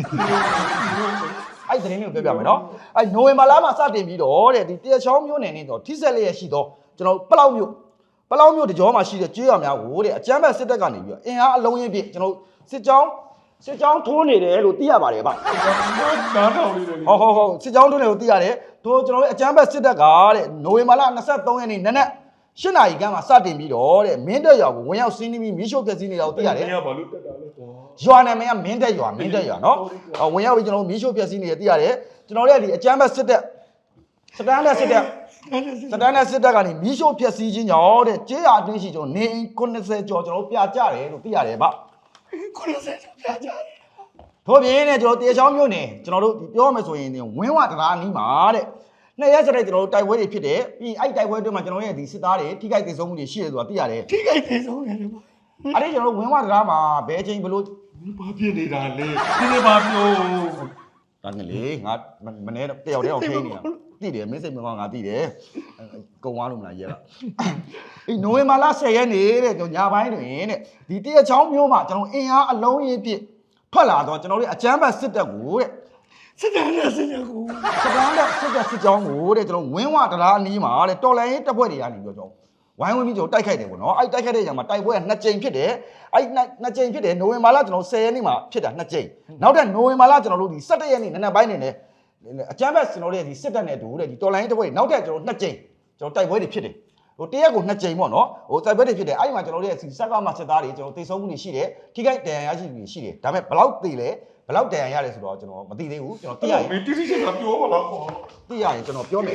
Speaker 3: အဲ့သတင်းလေးကိုပြောပြမယ်နော်အဲ့နိုဝင်ဘာလမှာစတင်ပြီးတော့တဲ့ဒီတရချောင်းမြို့နယ်နေတော့ထိဆက်လျက်ရှိတော့ကျွန်တော်ပလောက်မြို့တကြောမှာရှိတဲ့ကျေးရွာများကိုတဲ့အကြမ်းဖက်စစ်တပ်ကနေပြီးတော့အင်အားအလုံးရင်းပြည့်ကျွန်တော်စစ်ကြောင်းထိုးနေတယ်လို့သိရပါတယ်ဗျ
Speaker 2: နားထောင်လေးတယ်
Speaker 3: ဟုတ်စစ်ကြောင်းထိုးနေလို့သိရတယ်တို့ကျွန်တော်တို့အကြမ်းဖက်စစ်တပ်ကတဲ့နိုဝင်ဘာလ23ရက်နေ့နနက်8နာရီခန့်မှာစတင်ပြီးတော့တဲ့မင်းတပ်ရွာကိုဝင်ရောက်စီးနှီးပြီးမီးရှို့ဖျက်ဆီးနေတာကိုသိရတယ်
Speaker 2: မင်းကဘာလို့တက်တာလဲကွာ
Speaker 3: ရွာနာမည်ကမင်းတက်ရွာနော်ဝင်ရောက်ပြီးကျွန်တော်မီးရှို့ဖျက်ဆီးနေတယ်သိရတယ်ကျွန်တော်တို့ကဒီအကြမ်းဖက်စစ်တပ်စတန်လက်စစ်တပ်စတန်နဲ့စစ်တပ်ကနေမီးရှို့ဖျက်ဆီးခြင်းကြောင့်တဲ့ကျေးရွာအတွင်းရှိကျွန်တော်နေ90ကျော်ကျွန်တော်ပြကြတယ်လို့သိရတယ်ဗျ
Speaker 1: 90ကျော်ပြကြတယ်
Speaker 3: ထို့ပြင်နဲ့ကျွန်တော်တေချောင်းမြို့နယ်ကျွန်တော်တို့ပြောမယ်ဆိုရင်ဝင်းဝတရားနီးမှာတဲ့နှစ်ရက်စတဲ့ကျွန်တော်တို့တိုက်ပွဲတွေဖြစ်တယ်ပြီးအဲ့တိုက်ပွဲတွေမှာကျွန်တော်ရဲ့ဒီစစ်သားတွေထိခိုက်ဒေဆုံးမှုတွေရှိတယ်ဆိုတာသိရတယ်
Speaker 1: ထိခိုက်ဒေဆုံးတယ်ဗျ
Speaker 3: အဲ့ဒီကျွန်တော်တို့ဝင်းဝတရားမှာဘယ်အချိန်ဘလို့
Speaker 2: ဘာဖြစ်နေတာလဲဒီနေ့ဘာပြော
Speaker 3: ဒါနဲ့လေငါမနေ့တယောက်တည်းအောင်ထိနေတာသိတယ်မင်းစိတ်မကောင်းငါသိတယ်ကုံသွားလို့မလားရဲလားအေးနိုဝင်ဘာလ10ရက်နေ့တဲ့ကျွန်တော်ညပိုင်းတွင်တဲ့ဒီတရချောင်းမျိုးမှာကျွန်တော်အင်အားအလုံးကြီးပြည့်ထွက်လာတော့ကျွန်တော်တို့အကြမ်းဖက်စစ်တပ်ကိုတဲ့
Speaker 1: စစ်တပ်နဲ့စစ်တပ်ကို
Speaker 3: စစ်တပ်နဲ့စစ်ကြောင်းကိုတဲ့ကျွန်တော်ဝင်းဝတရားအနီးမှာတဲ့တော်လိုင်းရေးတပ်ဖွဲ့တွေကနေပြောကျွန်တော်ဝိုင်းဝန်းပြီးကျွန်တော်တိုက်ခိုက်တယ်ပေါ့နော်အဲ့တိုက်ခိုက်တဲ့ညမှာတိုက်ပွဲက2ကြိမ်ဖြစ်တယ်အဲ့2ကြိမ်ဖြစ်တယ်နိုဝင်ဘာလကျွန်တော်10ရက်နေ့မှာဖြစ်တာ2ကြိမ်နောက်ထပ်နိုဝင်ဘာလကျွန်တော်တို့ဒီ17ရက်နေ့နံနက်ပိုင်းနေတယ်အကြမ်းဖက်ကျွန်တော်တို့ရဲ့ဒီစစ်တပ်နဲ့တူတဲ့ဒီတော်လိုင်းရေးတပ်ဖွဲ့တွေနောက်ထပ်ကျွန်တော်2ကြိမ်ကျွန်တော်တိုက်ပွဲတွေဖြစ်တယ်ဟိုတရက်ကို2ကြိမ်ပေါ့နော်ဟိုတိုက်ပွဲတွေဖြစ်တယ်အဲ့ဒီမှာကျွန်တော်တို့ရဲ့စက်ကမှစစ်သားတွေကျွန်တော်တိတ်ဆုံးမှုတွေရှိတယ်ထိခိုက်ဒဏ်ရာရရှိမှုတွေရှိတယ်ဒါပေမဲ့ဘလောက်သိလဲဘလောက်ဒဏ်ရာရတယ်ဆိုတော့ကျွန်တော်မသိသေးဘူးကျွန်တော်သိရရင်
Speaker 2: မင်းတိတိကျကျပြောပါလား
Speaker 3: သိရရင်ကျွန်တော်ပြောမယ်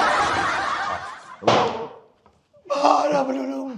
Speaker 1: ဘာရဘလို့လုံး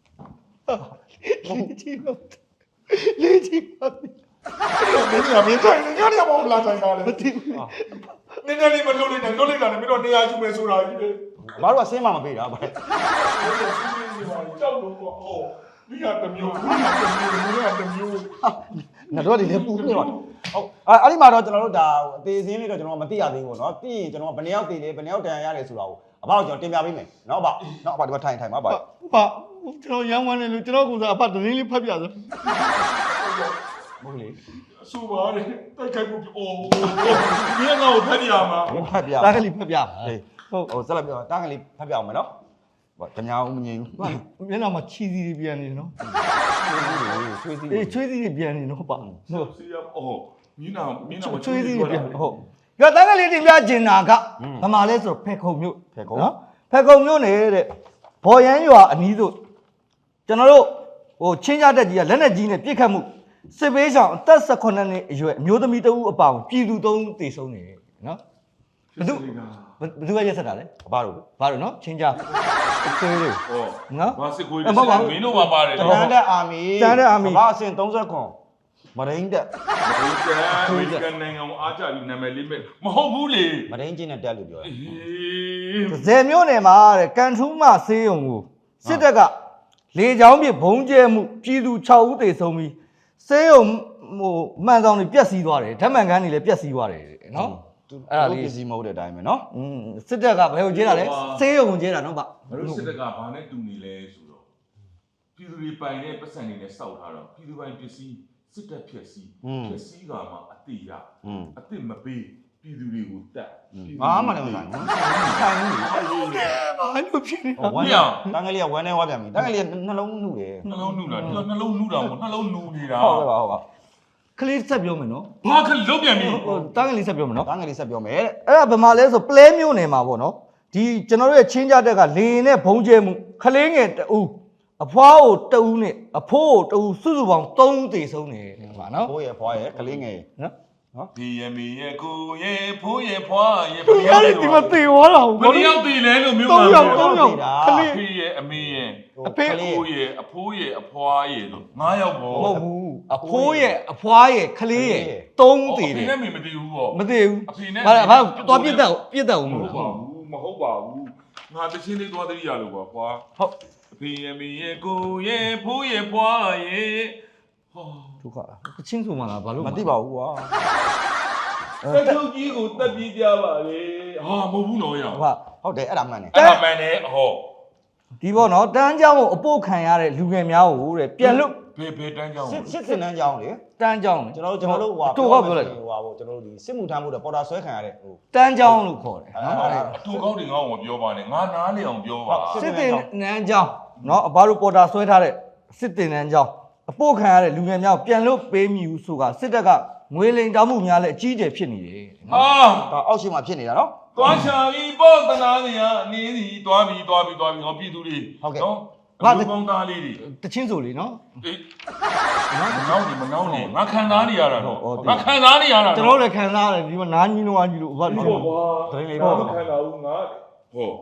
Speaker 1: လေးချီမလေးချီမ
Speaker 2: မင်းကမင်းတိုင်းငါလည်းမဟုတ်လားတိုင်းတာလေမသိဘူးနည်းနည်းလေးမလုပ်လိုက်နဲ့လုပ်လိုက်တာလည်းမင်းတို့တရားယူမယ်ဆိုတာကြီးလေ
Speaker 3: ဘာလို့ကဆင်းမမပေးတာဗျ
Speaker 2: ကြောက်လို့ပေါ့အော်ဒီကတမျိုးဒီကတမျိုး
Speaker 3: ငါတို့ဒီလည်းပူနေပါဟုတ်အဲ့ဒီမှာတော့ကျွန်တော်တို့ဒါအသေးစင်းလေးတော့ကျွန်တော်မသိရသေးဘူးပေါ့နော်သိရင်ကျွန်တော်ဘယ်နှယောက်တည်လဲဘယ်နှယောက်တန်ရရတယ်ဆိုတာကိုအဖေကကျွန်တော်တင်ပြပေးမယ်နော်ဗျနော်အဖေဒီမှာထိုင်ပါဗျ
Speaker 1: ဘာကျွန်တော်ရမ်းဝမ်းနေလို့ကျွန်တော်ကစားအဖသတင်းလေးဖတ်ပြဆို
Speaker 3: ဟုတ်လေ
Speaker 2: အဆူပါတယ်တိုက်ခိုက်မှုအိုးဒီကငါ့ကိုဖတ်ပြရမှာ
Speaker 3: ဖတ်ပြ
Speaker 1: တာကလေးဖတ်ပြပါ
Speaker 3: ဟုတ်ဟိုဆက်လက်ပြောတာကလေးဖတ်ပြအောင်မယ်နော်ဘာတညာဦးမငြိမ်ဘူး
Speaker 1: မျက်နှာမှာချီစီတွေပြန်နေနော်
Speaker 3: ချွေးစီ
Speaker 1: ချွေးစီတွေပြန်နေနော်ပါ
Speaker 2: ဟုတ်စီရအော်မင်းနာမှာ
Speaker 1: ချွေးစီတွေပြန်ဟုတ်ကြတာကလေးတင်ပြကျင်တာကဗမာလဲဆိုဖက်ခုံမြို့
Speaker 3: ဖက်ခုံ
Speaker 1: နော်ဖက်ခုံမြို့နေတဲ့ဘော်ရမ်းရွာအနီးသို့ကျွန်တော်တို့ဟိုချင်းကြတက်ကြီးကလက်နဲ့ကြီးနဲ့ပြစ်ခတ်မှုစစ်ပေးဆောင်အသက်18နှစ်အရွယ်အမျိုးသမီးတဦးအပါအဝင်ပြည်သူ3သေဆုံးနေနော်ဘယ်သူကရက်ဆက်တာလဲ
Speaker 3: ဘာလို့
Speaker 1: နော်ချင်းကြဆွေးလေး
Speaker 2: ဟောနော်ဘာစစ်ခွေးလဲမင်းတို့ပါပါတယ်
Speaker 3: တန်တဲ့အာမီဘာအဆင့်39မရင်းတက်
Speaker 2: အမေရိကန်နိုင်ငံကိုအားကြပြီးနာမည်လေးမဲ့မဟုတ်ဘူးလေ
Speaker 3: မရင်းချင်းနဲ့တက်လို့ပြောတယ်
Speaker 1: ဇယ်မျိုးနယ်မှာတဲ့ကန်ထူးမဆေးရုံကိုစစ်တပ်ကလေကြောင်းပြဘုံကျဲမှုပြည်သူ6ဦးသေဆုံးပြီးဆေးရုံဟိုမှန်ဆောင်တွေပျက်စီးသွားတယ်ဓာတ်မှန်ကန်တွေလည်းပျက်စီးသွားတယ်နော်
Speaker 3: အဲ့ဒါလေးပစ္စည်းမဟုတ်တဲ့အတိုင်းပဲနော်
Speaker 1: စစ်တပ်ကဘယ်ကိုကျဲတာလဲဆေးရုံကိုကျဲတာနော်ဗျ
Speaker 2: ဘာလို့စစ်တပ်ကဘာနဲ့တူနေလဲဆိုတော့ပြည်သူတွေပိုင်တဲ့ပတ်စံတွေနဲ့စောက်ထားတော့ပြည်သူပိုင်ပစ္စည်းစစ်တပ်ဖြက်စီးကမှအတိရအတိမပေးပြည်သူတွေကိုတက်
Speaker 3: ဘာမှလည်းမဆိုင်ဘူးဆိုင်ဘူး
Speaker 1: ဘာလို့ဖြစ်နေတာ
Speaker 3: ဝမ်းရတန်းကလေးကဝမ်းနေဝါပြန်ပြီတန်းကလေးကနှလုံးနှုတ်တယ်
Speaker 2: နှလုံးနှုတ်တာဒီနှလုံးနှုတ်တာမဟုတ်နှလုံးနှူနေတာ
Speaker 3: ဟုတ်ကဲ့ပါဟုတ်ပါ
Speaker 1: ကလေးဆက်ပြောမယ်နော်
Speaker 2: ဘာခလုတ်ပြန်ပြီ
Speaker 1: တန်းကလေးဆက်ပြောမယ်နော်
Speaker 3: တန်းကလေးဆက်ပြောမယ်တဲ့
Speaker 1: အဲ့ဒါဘယ်မှာလဲဆိုပလဲမျိုးနယ်မှာပေါ့နော်ဒီကျွန်တော်တို့ရဲ့ချင်းကြတက်ကလေရင်နဲ့ဘုံကျဲမှုခလေးငယ်တူအဖွားကိုတူနဲ့အဖိုးကိုတူစုစုပေါင်း3သေဆုံးနေတယ်ဗျာနော်
Speaker 3: ဘိုးရဲ့ဖွားရဲ့ကလေးငယ်
Speaker 2: နော်ဒီရမီရဲ့ကိုရဲ့ဖိုးရဲ့ဖွားရဲ့
Speaker 1: ဘယ်ရောက်ဒီမသေသွားတာ
Speaker 2: ဘယ်ရောက်သေလဲလို့မျိုး
Speaker 1: ပါ3ယောက်ခလေး
Speaker 2: ဖေးရဲ့အမေရဲ့အဖေကိုရဲ့အဖိုးရဲ့အဖွားရဲ့လို့9ယောက်ပေါ့
Speaker 1: မဟုတ်ဘူးအဖိုးရဲ့အဖွားရဲ့ခလေးရဲ့3သေတယ်
Speaker 2: အဖေနဲ့မေမသိဘူးပေါ့
Speaker 1: မသိဘူးအဖေနဲ့ဘာသွားပြစ်တတ်ဦးမလို့
Speaker 2: မဟုတ်ပါဘူးငါတချင်းလေးသွားတည်းရလို့ပါခွာ
Speaker 1: ဟုတ်
Speaker 2: အဖေရဲ့မေရဲ့ကိုရဲ့ဖိုးရဲ့ဖွားရဲ့
Speaker 1: ဟောဒုက္ခတချင်းဆိုမှလားဘာလို့
Speaker 3: မသိပါဘူးကွာ
Speaker 2: တက်ချုပ်ကြီးကိုတက်ပြီးကြပါလေဟာမဟုတ်ဘူးနော်ရ
Speaker 3: ဟုတ်တယ်အဲ့ဒါမှန်တယ်
Speaker 2: အဲ့ဒါမှန်တယ်ဟော
Speaker 1: ဒီပေါ့နော်တန်းเจ้าကိုအပို့ခံရတဲ့လူငယ်များကိုတဲ့ပြန်လို့
Speaker 2: ဘယ်တန်းเจ้า
Speaker 3: စစ်စင်တန်းเจ้าလေ
Speaker 1: တန်းเจ้า
Speaker 3: ကျွန်တော်တို့ဟိုပြောလိုက်ဟိုကျွန်တော်တို့ဒီစစ်မှုထမ်းဖို့တော့ပေါ်တာဆွဲခံရတဲ့ဟို
Speaker 1: တန်းเจ้าလို့ခေါ်တယ်
Speaker 2: သူကောင်းတွေငါ့ကိုပြောပါနဲ့ငါနားလေအောင်ပြောပါ
Speaker 1: စစ်တင်နန်းเจ้าနော်အဘတို့ပေါ်တာဆွဲထားတဲ့စစ်တင်နန်းเจ้าအပို့ခံရတဲ့လူငယ်များကိုပြန်လို့ပေးမိဘူးဆိုတာစစ်တပ်ကငွေလိမ်တောင်းမှုများလည်းအကြီးအကျယ်ဖြစ်နေတယ်
Speaker 3: ဟာဒါအောက်ရှိမှဖြစ်နေတာနော်
Speaker 2: သွားချာပြီးပေါ့တနာနေရအနေစီသွားပြီးဟောပြည်သူတွေ
Speaker 3: နော်
Speaker 2: ဘာကောင်းသားလေးတွေ
Speaker 1: တချင်းဆိုလေနော်
Speaker 2: အေးမနောင်းနေငါခံစားနေရတာတော့ငါခံစားနေရတာ
Speaker 1: ကျွန်တော်လည်းခံစားရတယ်ဒီမှာနားကြီးလုံးအားကြီးလို့ဘာလို့
Speaker 2: သတင်းလေးတော့ခံစားဘူးငါဟော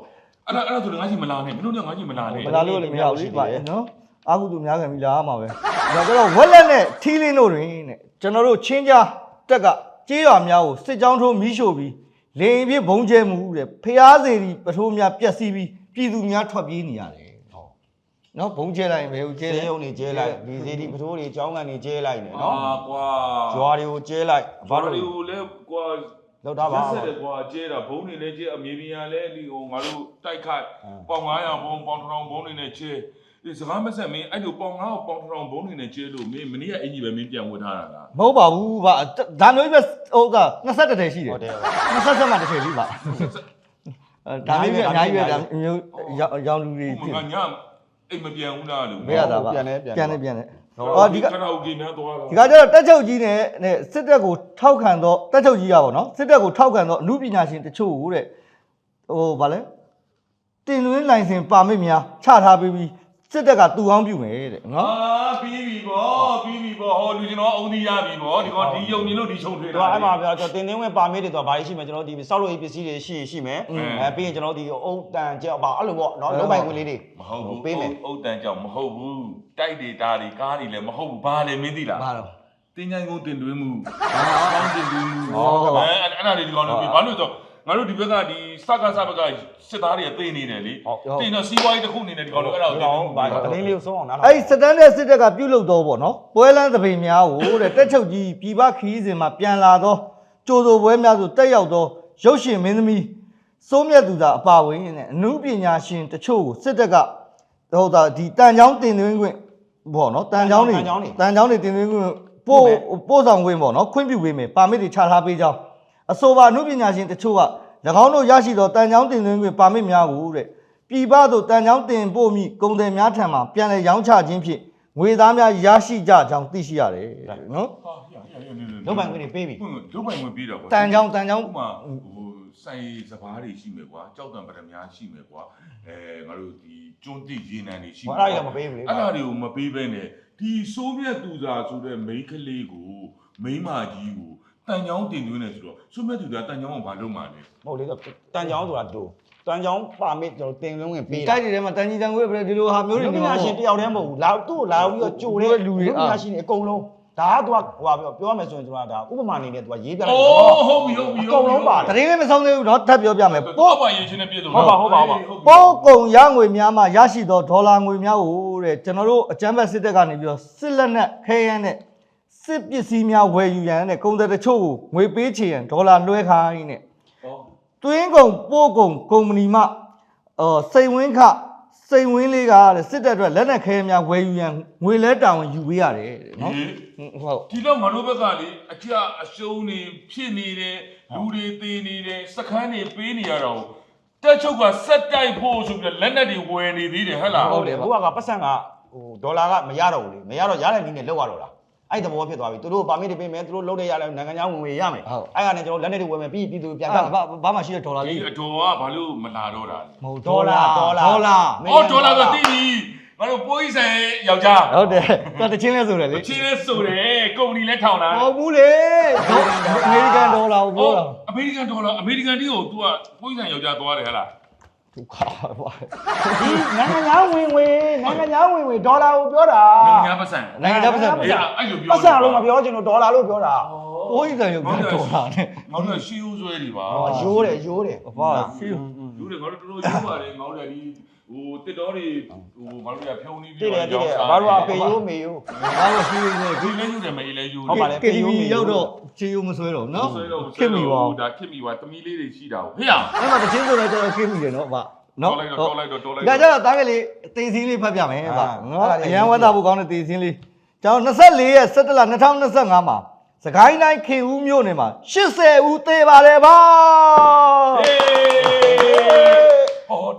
Speaker 2: အဲ့ဒါဆိုငါကြီးမလာနဲ့မင်းတို့ကငါကြီးမလာနဲ့
Speaker 1: မလာလို့လည်းမရဘူးလေဗျနော်အာဟုသူများခံပြီးလာမှာပဲဒါကြတော့ဝက်လက်နဲ့ထီးလင်းတို့တွင်တဲ့ကျွန်တော်တို့ချင်းကြားတက်ကကြေးရွာများကိုစစ်ကြောင်းထိုးမီးရှို့ပြီးလေရင်ပြဘုံကျဲမှုတဲ့ဖျားစေဒီပထိုးများပျက်စီးပြီးပြည်သူများထွက်ပြေးနေရတယ်နော်ဘုံကျဲလိုက်ဘယ်ကိုကျဲ
Speaker 3: ကျေ
Speaker 1: လဲ
Speaker 3: းုံနေကျဲလိုက်ဒီစီဒီပထိုးတွေကျောင်းကန်နေကျဲလိုက်နေနော်
Speaker 2: ကွာ
Speaker 3: ရွာတွေကိုကျဲလိုက်
Speaker 2: ဘာလို့လဲကွာ
Speaker 3: လောက်တာပါ
Speaker 2: ဆက်တယ်ကွာကျဲတာဘုံနေလဲကျဲအမြေပြင်ရလဲဒီဟိုငါတို့တိုက်ခိုက်ပေါင်900ဘုံပေါင်1000ဘုံနေနဲ့ကျဲဒီစကားမဆက်မင်းအဲ့လိုပေါင်900ပေါင်1000ဘုံနေနဲ့ကျဲလို့မင်းမနေ့ကအင်ကြီးပဲမင်းပြန်ဝတ်ထားတာလား
Speaker 1: မဟုတ်ပါဘူးဗျဒါမျိုးပဲဟုတ်က21ထည်ရှိတယ်
Speaker 3: ဟုတ်တယ်
Speaker 1: 27မှာတစ်ထည်လေးပါဒါမျိုးပဲအများကြီးပဲဒါမျိုးရောင်လူတွေ
Speaker 2: ဟိုငါညအိမ်မပြန်ဘူးလားလို့
Speaker 1: မရတာပါပြန်နေအော်ဒီက
Speaker 2: ကရာအိုကေများသွားတာ
Speaker 1: ဒီကကျတော့တက်ချုပ်ကြီးနဲ့စစ်တပ်ကိုထောက်ခံတော့တက်ချုပ်ကြီးရပါတော့စစ်တပ်ကိုထောက်ခံတော့အမှုပညာရှင်တချို့ကိုတဲ့ဟိုဗာလဲတင်သွင်းလိုင်စင်ပါမစ်များချထားပြီးစစ်တပ်ကတူအောင်ပြုမယ်တဲ့နော်
Speaker 2: ပြီးပြီဗောဟောလူကျွန်တော်အုံဒီရပြီဗောဒီကောင်ဒီယုံမြင်လို့ဒီချုံထွေးတာ
Speaker 3: တော့အဲ့မှာပြောကျွန်တော်တင်သွင်းဝင်ပါမစ်တွေတော့ဘာတွေရှိမလဲကျွန်တော်ဒီစောက်လို့ပစ္စည်းတွေရှိမယ်ပြီးရင်ကျွန်တော်ဒီအုတ်တန်ကြောက်ပါအဲ့လိုပေါ့နော်လုံးပိုင်ခွင့်လေးတွေ
Speaker 2: မဟုတ်ဘူး
Speaker 3: ပေးမယ်
Speaker 2: အုတ်တန်ကြောင့်မဟုတ်ဘူးတိုက်တွေတာတွေကားတွေလည်းမဟုတ်ဘူးဘာလဲမင်းသိလား
Speaker 1: ဘာတော့
Speaker 2: တင်းချိုင်းကုန်းတင်သွင်းမှုကောင်းတင်သွင်းမှုအဲ့ဒါတွေဒီကောင်လုပ်ပြီးဘာလို့ဆိုငါတို့ဒီဘက်ကဒီစကစဘက်ကစစ်သားတွေသိနေတယ်လေတင်တော့စီးပွားရေးတစ်ခုအနေနဲ့ဒီကောင်တို့အဲ့ဒါကိုတင်သွင်းမှု
Speaker 3: ဘာတလင်းလေးကိုဆုံးအောင်နားထောင်
Speaker 1: အဲ့စတန်တဲ့စစ်တပ်ကပြုတ်လုတော့ပေါ့နော်ပွဲလန်းသပိန်များကိုတဲ့တက်ချုပ်ကြီးပြည်ပခီးစဉ်မှာပြန်လာတော့ကြိုးစိုးပွဲများဆိုတက်ရောက်တော့ရုပ်ရှင်မင်းသမီးစိုးမြတ်သူသာအပါဝင်နဲ့အမှုပညာရှင်တချို့ကိုစစ်တပ်ကဟုတ်တာဒီတန်ချောင်းတင်သွင်းခွင့်ပေါ့နော်တန်ချောင်းတွေတင်သွင်းခွင့်ပို့ဆောင်ခွင့်ပေါ့နော်ခွင့်ပြုပေးမယ်ပါမစ်တွေချထားပေးကြောင်းအဆိုပါအမှုပညာရှင်တချို့က၎င်းတို့ရရှိသောတန်ချောင်းတင်သွင်းခွင့်ပါမစ်များကိုတဲ့ပြည်ပသို့တန်ချောင်းတင်ပို့မိကုန်တယ်များထံမှပြန်လည်ရောင်းချခြင်းဖြင့်ငွေသားများရရှိကြကြောင်းသိရှိရတယ်နော်
Speaker 3: လုံးပိုင်ခွင့်တွေပေးပြီ
Speaker 2: လုံးပိုင်ဝင်ပြီးတော့ကွာ
Speaker 1: တန်ချောင်း
Speaker 2: ဥပမာဟိုစိုင်စပားတွေရှိမယ်ကွာကြောက်တံပရမများရှိမယ်ကွာငါတို့ဒီကျွန်းတိရေနံတွေရှိမယ်
Speaker 3: အဲ့ဒါတွေမပေးဘူးလေ
Speaker 2: အဲ့ဒါတွေကိုမပေးဘဲနဲ့ဒီစိုးမြတ်သူသာဆိုတဲ့မိန်းကလေးကိုမိန်းမကြီးကိုတန်ချောင်းတင်သွင်းနေဆိုတော့စိုးမြတ်သူသာတန်ချောင်းကိုဘာလုပ်မှလဲ
Speaker 3: ဟုတ်လေတန်ချောင်းဆိုတာတူတန်ချောင်းပါမစ်ကျွန်တော်တင်လုံးဝင်ပေး
Speaker 1: တိုက်တွေထဲမှာတန်ကြီးတန်ခွေးပဲဒီလိုဟာမျိုးတွေ
Speaker 3: လူပညာရှင်တယောက်တည်းမဟုတ်ဘူးလာသူ့ကိုလာပြီးတော့ကြိုတဲ့လူပညာရှင်တွေအကုန်လုံးဒါကသူကဟိုပါပြောရမယ်ဆိုရင်ကျွန်တော်ကဒါဥပမာအနေနဲ့သူကရေးပြလိုက်
Speaker 2: အိုးဟုတ်ပြီ
Speaker 3: အကုန်လုံးပါတယ်
Speaker 1: တရင်လေးမဆုံးသေးဘူးเนาะထပ်ပြောပြမယ်
Speaker 2: ပေါ့ပါရင်ချင်းနဲ့ပြည့်စုံ
Speaker 3: ဟုတ်ပါ
Speaker 1: ပိုးကုံရငွေများမှရရှိသောဒေါ်လာငွေများကိုတဲ့ကျွန်တော်တို့အကြမ်းဖက်စစ်တပ်ကနေပြီးတော့စစ်လက်နက်ခဲယမ်းနဲ့စစ်ပစ္စည်းများဝယ်ယူရန်နဲ့ကုန်သည်တချို့ကိုငွေပေးချေရန်ဒေါ်လာလွှဲခိုင်းနဲ့တွင်းကုံပိုးကုံကုမ္ပဏီမှစိန်ဝင်းခစိန်ဝင်းလေးကတဲ့စစ်တပ်အတွက်လက်နက်ခဲများဝယ်ယူရန်ငွေလဲတာဝန်ယူပေးရတယ်တဲ့နော်ဟုတ်
Speaker 2: ဒီတော့ငါတို့ဘက်ကလေအကြအရှုံးနေဖြစ်နေတယ်လူတွေသေးနေတယ်စခန်းတွေပေးနေရတော့တက်ချုပ်ကစက်တိုက်ဖို့ဆိုပြီးလက်နက်တွေဝယ်နေသေးတယ်ဟဟလား
Speaker 3: ဟုတ်တယ်ဘုရားကပတ်စံကဟိုဒေါ်လာကမရတော့ဘူးလေမရတော့ရတဲ့နည်းနဲ့လောက်ရတော့လားအဲ့တဘောဖြစ်သွားပြီသူတို့ပါမစ်တွေပေးမယ်သူတို့လုံးတဲ့ရလဲနိုင်ငံခြားဝင်ရမယ်အဲ့ကနေကျွန်တော်လက်နေတွေဝယ်မယ်ပြီးပြည်သူပြန်က
Speaker 1: ဘာမှရှိတဲ့ဒေါ်လာ
Speaker 2: ဒီ
Speaker 1: လေး
Speaker 2: အတော်ကဘာလို့မလာတော့တာလဲ
Speaker 1: မဟုတ်
Speaker 3: ဒေါ်လာ
Speaker 2: အော်ဒေါ်လာဆိုတည်ပြီငါတို့ပိုးကြီးဆိုင်ယောက်ျား
Speaker 1: ဟုတ်တယ်သူတချင်းလဲဆိုတယ်လေ
Speaker 2: ချင်းလဲဆိုတယ်ကုမ္ပဏီလဲထောင်တာ
Speaker 1: မဟုတ်ဘူးလေအမေရိကန်ဒေါ်လာကိုပြောတာ
Speaker 2: အမေရိကန်ဒေါ်လာအမေရိကန်တီးကို तू ကပိုးကြီးဆိုင်ယောက်ျားသွားတယ်ဟဟလား
Speaker 1: ဒုက္ခပါ
Speaker 3: ဒီနိုင်ငံခြားဝင်ဒေါ်လာကိုပြောတာ
Speaker 2: နိုင်ငံခြားပတ်စံ
Speaker 1: နိုင်ငံခြားပတ်စံ
Speaker 2: အဲ့လိုပြော
Speaker 3: ပတ်စံလို့မပြောချင်လို့ဒေါ်လာလို့ပြောတာ
Speaker 1: ဘိုးကြီးတယ်ရုပ်ဒေါ်လာနဲ့
Speaker 2: ငါတို့ရှီးဦးဆွဲတွေပါ
Speaker 3: ရိုးတယ်
Speaker 1: အဖာစီ
Speaker 2: လူတွေငါတို့တော်တော်ရိုးပါတယ်ငါတို့လည်းဒီဟိုတစ်တော်တွေဟိုငါတို့ကဖြုံနေပြီး
Speaker 3: တည်တယ်ဘာလို့အပေရိုးမေရိုး
Speaker 1: ဘာလို့စီနေ
Speaker 2: ဒီလည်းယူတယ်မေးလည်းယူ
Speaker 3: ဟုတ်ပါလေ
Speaker 1: KTV ရောက်တော့ချေယုံမဆွဲတော့နော်ခင်မီပါ
Speaker 2: ဒါခင်မီပါတမီလေးတွေရှိတာဟေ့ရ
Speaker 1: အဲ့မှာတချင်းဆိုတော့ကျတော့ခင်မီတယ်နော်ဗျနော်
Speaker 2: တော်လိုက်တော့
Speaker 1: ဒါကြတော့တားကလေးတေးစင်းလေးဖတ်ပြမယ်ဗျနော်အရန်ဝတ်သားဖို့ကောင်းတဲ့တေးစင်းလေးကျွန်တော်24ရက်17လ2025မှာစကိုင်းတိုင်းခင်ဦးမြို့နယ်မှာ80ဦးသေပါတယ်ဗျ
Speaker 2: ဟေးဟော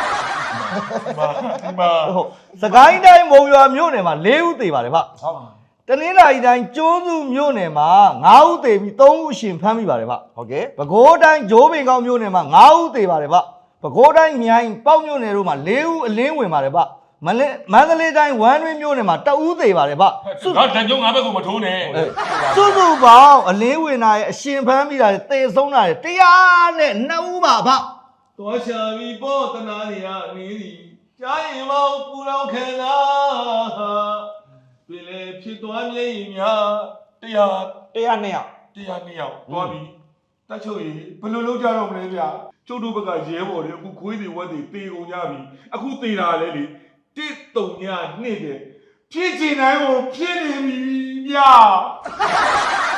Speaker 2: မာ
Speaker 1: ဟုတ်စကိုင်းတိုင်းမုံရွာမြို့နယ်မှာ4ဦးသေပါတယ်ဗျ
Speaker 3: ဟုတ်
Speaker 1: တနင်္လာရီတိုင်းကျွန်းစုမြို့နယ်မှာ9ဦးသေပြီး3ဦးအရှင်ဖမ်းမိပါတယ်ဗျ
Speaker 3: ဟုတ်ကဲ့
Speaker 1: ပဲခူးတိုင်းဂျိုးပင်ကောင်းမြို့နယ်မှာ9ဦးသေပါတယ်ဗျပဲခူးတိုင်းမြိုင်ပေါက်မြို့နယ်တို့မှာ4ဦးအလင်းဝင်ပါတယ်ဗျမန္တလေးတိုင်းဝမ်းတွင်းမြို့နယ်မှာ2ဦးသေပါတယ်ဗျ
Speaker 2: ငါတန်ကြုံငါဘက်ကိုမထိုးနဲ့
Speaker 1: စုစုပေါင်းအလင်းဝင်တာရဲ့အရှင်ဖမ်းမိတာရဲ့သေဆုံးတာရဲ့102ဦးပါဗျ
Speaker 2: သွားရှာပြီးပေါ်တနာနေရနေသည်ကြားရင်မောင်ပူလောင်ခံစားပြည်လေဖြစ်သွားမြင်များတရား
Speaker 3: 100 2ယောက်
Speaker 2: 102ယောက်သွားပြီတက်ချုပ်ရေဘယ်လိုလုပ်ကြတော့မလဲဗျာကျုပ်တို့ဘက်ကရဲဘော်တွေအခုခွေးတွေဝက်တွေတေကုန်ကြပြီအခုတေတာလဲလေ1 3 2တဲ့ဖြစ်ချင်တိုင်းကိုဖြစ်နေပြီဗျာ